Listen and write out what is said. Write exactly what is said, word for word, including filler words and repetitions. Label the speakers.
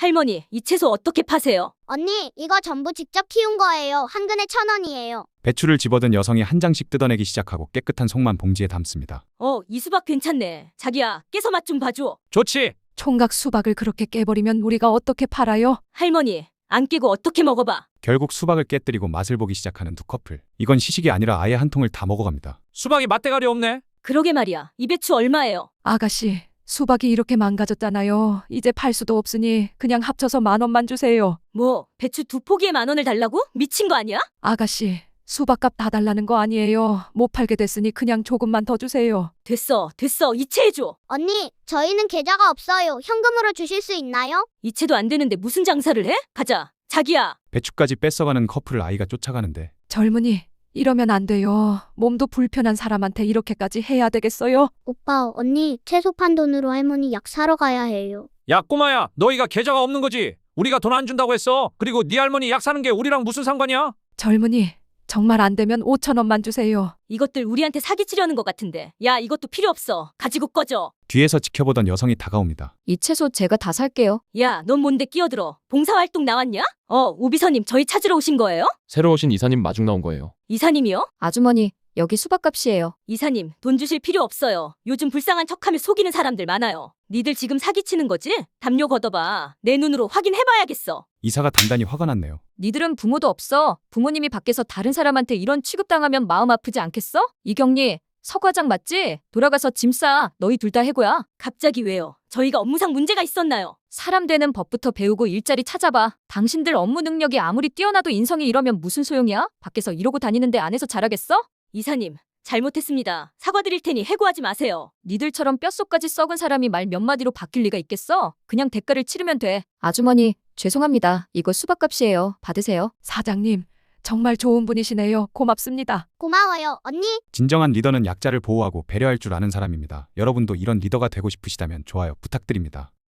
Speaker 1: 할머니, 이 채소 어떻게 파세요?
Speaker 2: 언니, 이거 전부 직접 키운 거예요. 한 근에 천 원이에요.
Speaker 3: 배추를 집어든 여성이 한 장씩 뜯어내기 시작하고 깨끗한 속만 봉지에 담습니다.
Speaker 1: 어, 이 수박 괜찮네. 자기야, 깨서 맛 좀 봐줘.
Speaker 4: 좋지.
Speaker 5: 총각 수박을 그렇게 깨버리면 우리가 어떻게 팔아요?
Speaker 1: 할머니, 안 깨고 어떻게 먹어봐.
Speaker 3: 결국 수박을 깨뜨리고 맛을 보기 시작하는 두 커플. 이건 시식이 아니라 아예 한 통을 다 먹어갑니다.
Speaker 4: 수박이 맛대가리 없네.
Speaker 1: 그러게 말이야. 이 배추 얼마예요?
Speaker 5: 아가씨, 수박이 이렇게 망가졌잖아요. 이제 팔 수도 없으니 그냥 합쳐서 만 원만 주세요.
Speaker 1: 뭐, 배추 두 포기에 만 원을 달라고? 미친 거 아니야?
Speaker 5: 아가씨, 수박값 다 달라는 거 아니에요. 못 팔게 됐으니 그냥 조금만 더 주세요.
Speaker 1: 됐어, 됐어. 이체해줘.
Speaker 2: 언니, 저희는 계좌가 없어요. 현금으로 주실 수 있나요?
Speaker 1: 이체도 안 되는데 무슨 장사를 해? 가자. 자기야.
Speaker 3: 배추까지 뺏어가는 커플을 아이가 쫓아가는데
Speaker 5: 젊은이, 이러면 안 돼요. 몸도 불편한 사람한테 이렇게까지 해야 되겠어요?
Speaker 2: 오빠, 언니, 채소 판 돈으로 할머니 약 사러 가야 해요.
Speaker 4: 야 꼬마야, 너희가 계좌가 없는 거지. 우리가 돈 안 준다고 했어. 그리고 네 할머니 약 사는 게 우리랑 무슨 상관이야?
Speaker 5: 젊은이, 정말 안 되면 오천 원만 주세요.
Speaker 1: 이것들 우리한테 사기치려는 것 같은데. 야, 이것도 필요 없어. 가지고 꺼져.
Speaker 3: 뒤에서 지켜보던 여성이 다가옵니다.
Speaker 6: 이 채소 제가 다 살게요.
Speaker 1: 야, 넌 뭔데 끼어들어? 봉사활동 나왔냐? 어, 우비서님 저희 찾으러 오신 거예요?
Speaker 7: 새로 오신 이사님 마중 나온 거예요.
Speaker 1: 이사님이요?
Speaker 6: 아주머니, 여기 수박값이에요.
Speaker 1: 이사님, 돈 주실 필요 없어요. 요즘 불쌍한 척하며 속이는 사람들 많아요. 니들 지금 사기치는 거지? 담요 걷어봐. 내 눈으로 확인해봐야겠어.
Speaker 3: 이사가 단단히 화가 났네요.
Speaker 6: 니들은 부모도 없어. 부모님이 밖에서 다른 사람한테 이런 취급당하면 마음 아프지 않겠어? 이경리, 서 과장 맞지? 돌아가서 짐 싸. 너희 둘 다 해고야.
Speaker 1: 갑자기 왜요? 저희가 업무상 문제가 있었나요?
Speaker 6: 사람 되는 법부터 배우고 일자리 찾아봐. 당신들 업무 능력이 아무리 뛰어나도 인성이 이러면 무슨 소용이야? 밖에서 이러고 다니는데 안에서 잘하겠어?
Speaker 1: 이사님, 잘못했습니다. 사과드릴 테니 해고하지 마세요.
Speaker 6: 니들처럼 뼛속까지 썩은 사람이 말 몇 마디로 바뀔 리가 있겠어? 그냥 대가를 치르면 돼. 아주머니, 죄송합니다. 이거 수박값이에요. 받으세요.
Speaker 5: 사장님, 정말 좋은 분이시네요. 고맙습니다.
Speaker 2: 고마워요, 언니.
Speaker 3: 진정한 리더는 약자를 보호하고 배려할 줄 아는 사람입니다. 여러분도 이런 리더가 되고 싶으시다면 좋아요 부탁드립니다.